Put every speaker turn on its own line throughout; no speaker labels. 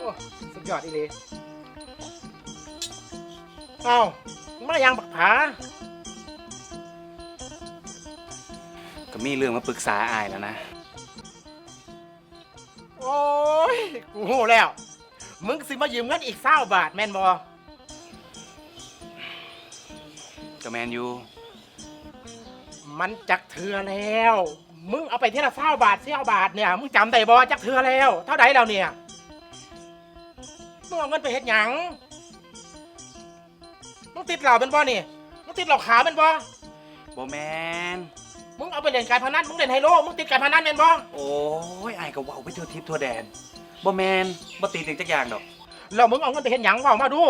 สุดยอดอีเลยเอ้ามายังบักผา
ก็มีเรื่องมาปรึกษาอายแล้วนะ
โอ้ยกูโหแล้วมึงสิมายืมเงินอีก20 บาทแม่นบอ
ก็แมนยู
มันจักเทือแล้วมึงเอาไปเท่าละ20 บาท20 บาทเนี่ยมึงจำได้บอจักเทือแล้วเท่าไหร่แล้วเนี่ยมึงเอาเงินไปเฮ็ดหยังมึงติดเหล่าเป็นบอนี่มึงติดเหล่าขาวเป็นบอ
บ่แมน
มึงเอาไปเล่นการพนันมึงเล่นไฮโลมึงติดการพนันเป็นบอ
โอ้ยอายก็เว้าไปทั่วทิพย์ทั่วแดนบ่แมนบ่ติดจักอย่างดอก
แล้วมึงเอาเงินไปเฮ็ดหยังเว้ามาดู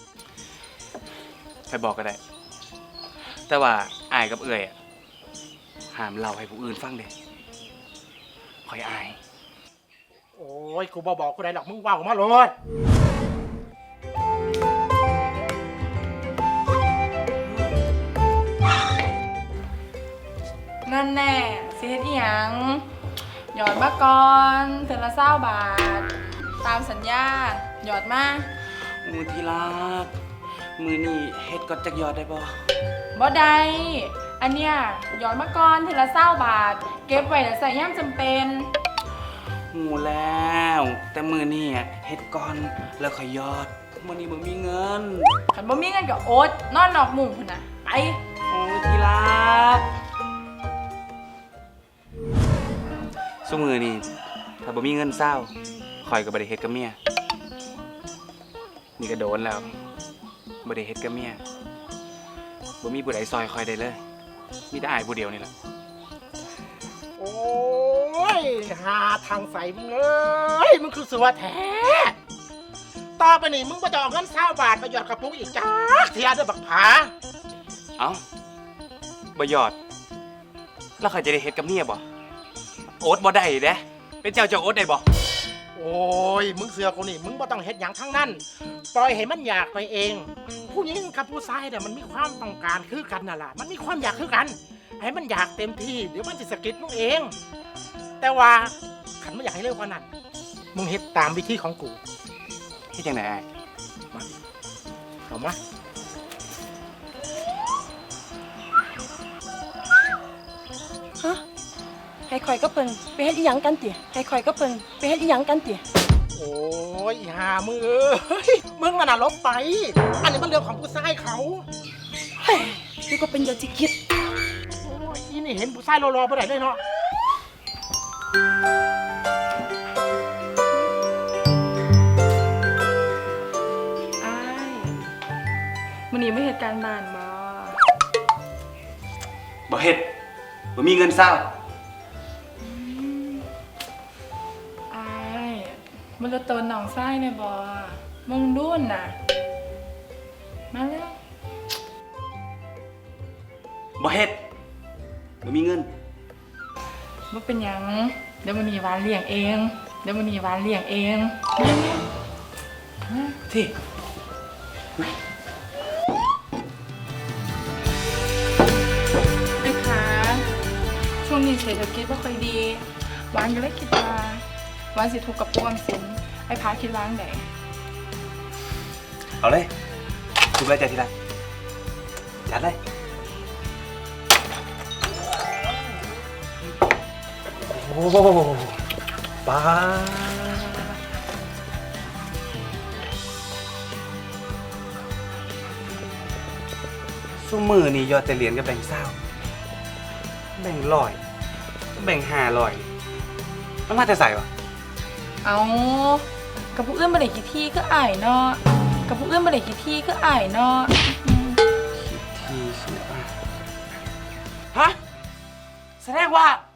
ใครบอกก็ได้แต่ว่าอายกับเอื่อยห้ามเล่าให้ผู้อื่นฟังเด้คอยอาย
โอ้ยกูบอกกูได้หรอกมึงว่าออกมาเลย
นั่นแน่สิเฮ็ดอีหยังหยอดมาก่อนเทื่อละ20 บาทตามสัญญาหยอดมา
มือที่รักมือนี่เฮ็ดก่อนจักยอดได้บ่
บ่ได้อันเนี้ยหยอดมาก่อนเทื่อละ20 บาทเก็บไว้แล้วใส่ยามจำเป็น
หูแล้วแต่มือนี่เฮ็ดก่อนแล้วค่อยยอดมื้อนี้บ่มีเงิน
คันบ่มีเงินก็อดนอนนอกมุ้งพุ่นน่ะไป
โอ้ยที่รักซุมื้อนี้ถ้าบ่มีเงินเศร้าข่อยก็บ่ได้เฮ็ดกับเมียนี่ก็โดนแล้วบ่ได้เฮ็ดกับเมียบ่มีผู้ใดซอยข่อยได้เลยมีแต่อายผู้เดียวนี่แหละ
โอ้ยหาทางใส่มึงเอ้ยมึงคือสัวแท้ต่อไปนี่มึงก็จะเอาเงิน20 บาทไปหยอดกระปุกอีกจ้าเทียด้วยบักผา
เอ้าบ่หยอดแล้วข่อยจะได้เฮ็ดกับเมียบ่โอ๊ตบ่ได้เด้เป็นเจ้าโอ๊ตได้บ่
โอ้ยมึงเสือกูนี่มึงบ่ต้องเฮ็ดหยังทั้งนั้นปล่อยให้มันอยากไปเองผู้หญิงกับผู้ชายเนี่ยมันมีความต้องการคือกันน่ะล่ะมันมีความอยากคือกันให้มันอยากเต็มที่เดี๋ยวมันจะสะกิดมึงเองแต่ว่าขันไม่อยากให้เร็วกว่านั้นมึงเฮ็ดตามวิธีของกู
เฮ็ดจังได๋
มาเข้ามา
ฮะให้คอยก็เปิงไปเฮ็ดอีหยังกันติให้คอยก็เปิงไปเฮ็ดอีหยังกันติ
โอ้ยหามึงเอ้ยมึงน่ะลบไปอันนี้มันเรื่องของผู้ชายเขา
เฮ้ยนี่ก็เป็นยาจิกิด
โอ้ยอีนี่เห็นผู้ชายรอๆบ่ได้เลยเนาะ
อ้ายมื้อนี้ไม่เฮ็ดการบ้าน
บ่เฮ็ดบ่มีเงินเศร้า
มันจะโตนหนองไส้เนี่ยบอมึงดุนน่ะมาแล้ว
บ่เฮ็ดบ่มีเงิน
มันเป็นหยังเดี๋ยวมันมีวานเลี้ยงเอง
ที่
ไอ้ขาช่วงนี้เศรษฐกิจไม่ค่อยดีวานก็เลยคิดว่าวันสิถูกกับพวกสินไอ้พาคิดล้างไหน
เอาเลยถูกเลยใจทีละจัดเลยโอ้ป้าซุมือนี่ยอดแต่เหรียญกับแบ่งเศร้าแบ่ง100แบ่ง500มันมาแต่ใส่วะ
เอากับผู้อื่นมาได้กี่ที่ก็อายเนาะที่ใช่ไหม
ฮะแสดงว่า